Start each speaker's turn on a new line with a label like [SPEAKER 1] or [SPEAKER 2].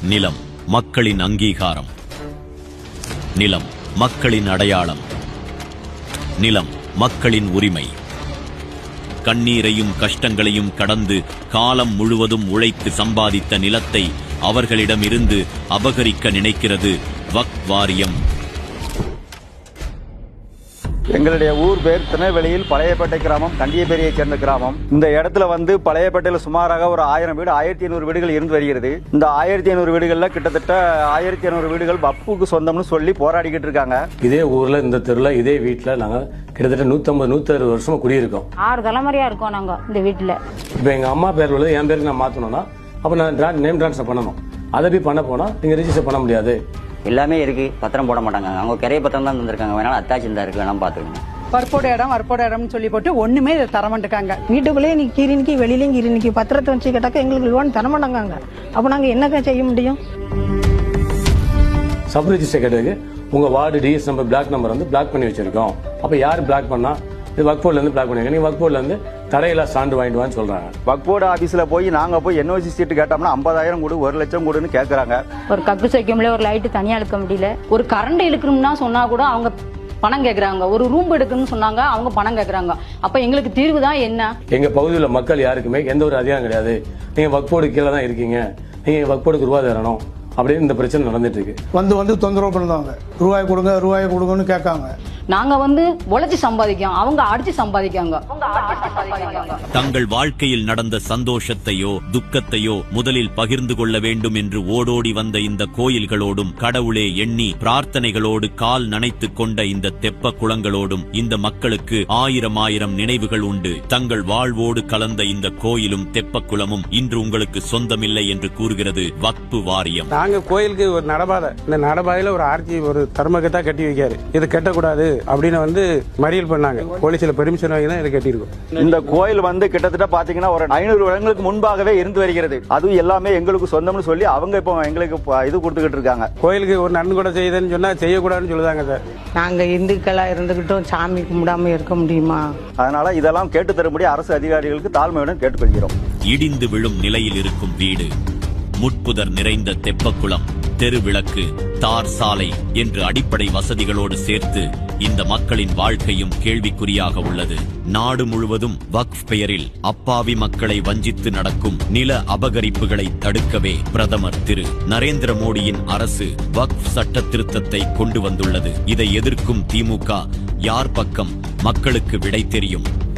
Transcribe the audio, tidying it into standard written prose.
[SPEAKER 1] நிலம் மக்களின் அங்கீகாரம், நிலம் மக்களின் அடையாளம், நிலம் மக்களின் உரிமை. கண்ணீரையும் கஷ்டங்களையும் கடந்து காலம் முழுவதும் உழைத்து சம்பாதித்த நிலத்தை அவர்களிடமிருந்து அபகரிக்க நினைக்கிறது வக்ஃப் வாரியம்.
[SPEAKER 2] எங்களுடைய ஊர் பேர் திருநெல்வேலியில் பழையப்பேட்டை கிராமம், கண்டியப்பேரியை சேர்ந்த கிராமம். இந்த இடத்துல பழையப்பேட்டையில் சுமாராக ஒரு 1000 வீடு, 1500 வீடுகள் இருந்து வருகிறது. இந்த 1500 வீடுகள்ல கிட்டத்தட்ட 1500 வீடுகள் வக்ஃபுக்கு சொந்தம்னு சொல்லி போராடிக்கிட்டு இருக்காங்க.
[SPEAKER 3] இதே ஊர்ல இந்த தெருல இதே வீட்டுல நாங்க கிட்டத்தட்ட 150-160 வருஷமா குடியிருக்கோம்.
[SPEAKER 4] 6 தலைமுறையா இருக்கோம் நாங்க இந்த வீட்டுல.
[SPEAKER 3] இப்ப எங்க அம்மா பேர் உள்ளது என் பேருக்கு நான் மாத்தணும்னா அப்ப நான் நேம் டிரான்ஸ்ஃபர் பண்ணணும். அதை போய் பண்ண போனா நீங்க ரெஜிஸ்டர் பண்ண முடியாது.
[SPEAKER 5] எல்லாமே இருக்கு, பத்திரம் போட மாட்டாங்க. அவங்க கிரைய பத்திரம் தான் தந்திருக்காங்க, வேணாலும் அத்தாச்சி இருந்தா இருக்கு, வேணாலும் பாத்துக்கணும்.
[SPEAKER 6] வற்போட இடம்னு சொல்லி போட்டு ஒண்ணுமே இதை தரமாட்டாங்க.
[SPEAKER 7] வீட்டுக்குள்ளேயே நீ கீரினிக்கு வெளியிலையும் கீரினிக்கு பத்திரத்தை வச்சு கேட்டாக்க எங்களுக்கு லோன் தரமாட்டாங்க. அப்ப நாங்க என்னக்கா செய்ய முடியும்?
[SPEAKER 3] சப் ரெஜிஸ்டர் கேட்டதுக்கு உங்க ward TS number block number block பண்ணி வச்சிருக்கோம். அப்ப யாரு பிளாக் பண்ணா இது வக்ஃப் போர்டுல இருந்து பிளாக் பண்ணுங்க. நீங்க வக்ஃப் போர்டுல இருந்து தடையில்லா சான்று வாங்கிட்டு வான்னு சொல்றாங்க.
[SPEAKER 2] வக்ஃப் போர்டு ஆபீஸ்ல நாங்க போய் என்ஓசி சீட்டு கேட்டோம்னா 50,000 கொடு, 1 லட்சம் கொடுன்னு கேக்குறாங்க.
[SPEAKER 4] ஒரு கக்கு வைக்கல, ஒரு லைட்டு தனியா இழுக்க முடியல, ஒரு கரண்ட் இழுக்கணும்னா சொன்னா கூட அவங்க பணம் கேக்குறாங்க. ஒரு ரூம் எடுக்கணும்னு சொன்னாங்க, அவங்க பணம் கேக்குறாங்க. அப்ப எங்களுக்கு தீர்வு தான் என்ன?
[SPEAKER 3] எங்க பகுதியில் மக்கள் யாருக்குமே எந்த ஒரு அதிகாரம் கிடையாது. நீங்க வக்ஃப் போர்டு கீழே தான் இருக்கீங்க, நீங்க வக்ஃப் போர்டுக்கு ரூபா தரணும் அப்படின்னு இந்த பிரச்சனை நடந்துட்டு இருக்கு.
[SPEAKER 8] வந்து தொந்தரவு பண்ணுவாங்க. ரூபாய் கொடுங்கன்னு கேட்காங்க.
[SPEAKER 4] நாங்க உழைச்சி சம்பாதிக்கோம், அவங்க அடிச்சு சம்பாதிக்காங்க.
[SPEAKER 1] தங்கள் வாழ்க்கையில் நடந்த சந்தோஷத்தையோ துக்கத்தையோ முதலில் பகிர்ந்து கொள்ள வேண்டும் என்று ஓடோடி வந்த இந்த கோயில்களோடும் கடவுளே எண்ணி பிரார்த்தனைகளோடு கால் நனைத்துக் கொண்ட இந்த தெப்ப குளங்களோடும் இந்த மக்களுக்கு ஆயிரம் நினைவுகள் உண்டு. தங்கள் வாழ்வோடு கலந்த இந்த கோயிலும் தெப்ப குளமும் இன்று உங்களுக்கு சொந்தமில்லை என்று கூறுகிறது வக்ஃப் வாரியம்.
[SPEAKER 9] நாங்க கோயிலுக்கு ஒரு நடபாதை, இந்த நடபாதையில ஒரு ஆர்ச்சி ஒரு தர்மகத்தா கட்டி வைக்காரு. இது கட்டக்கூடாது அப்படின்னு மறியல் பண்ணாங்க. போலீஸ்ல பெர்மிஷன் வாங்கி தான் இதை கட்டியிருக்கோம்.
[SPEAKER 2] இந்த கோயில் கிட்டத்தட்ட பாத்தீங்கன்னா ஒரு 500 வருடங்களுக்கு முன்பாகவே இருந்து வருகிறது. அதுவும் எல்லாமே எங்களுக்கு சொந்தம்னு சொல்லி அவங்க இப்போ எங்களுக்கு இது கொடுத்துக்கிட்டு இருக்காங்க.
[SPEAKER 9] கோயிலுக்கு ஒரு நன்கொடை செய்யுதுன்னு சொன்னா செய்யக்கூடாதுன்னு சொல்லுதாங்க சார்.
[SPEAKER 7] நாங்க இந்துக்களா இருந்துகிட்டும் சாமி கும்பிடாம இருக்க முடியுமா?
[SPEAKER 2] அதனால இதெல்லாம் கேட்டு தரும்படி அரசு அதிகாரிகளுக்கு தாழ்மையுடன் கேட்டுக்கொள்கிறோம்.
[SPEAKER 1] இடிந்து விழும் நிலையில் இருக்கும் வீடு, முட்புதர் நிறைந்த தெப்பக்குளம், தெருவிளக்கு, தார் சாலை என்று அடிப்படை வசதிகளோடு சேர்த்து இந்த மக்களின் வாழ்க்கையும் கேள்விக்குறியாக உள்ளது. நாடு முழுவதும் வக்ஃப் பெயரில் அப்பாவி மக்களை வஞ்சித்து நடக்கும் நில அபகரிப்புகளை தடுக்கவே பிரதமர் திரு நரேந்திர மோடியின் அரசு வக்ஃப் சட்ட திருத்தத்தை கொண்டு வந்துள்ளது. இதை எதிர்க்கும் திமுக யார் பக்கம் மக்களுக்கு விடை தெரியும்?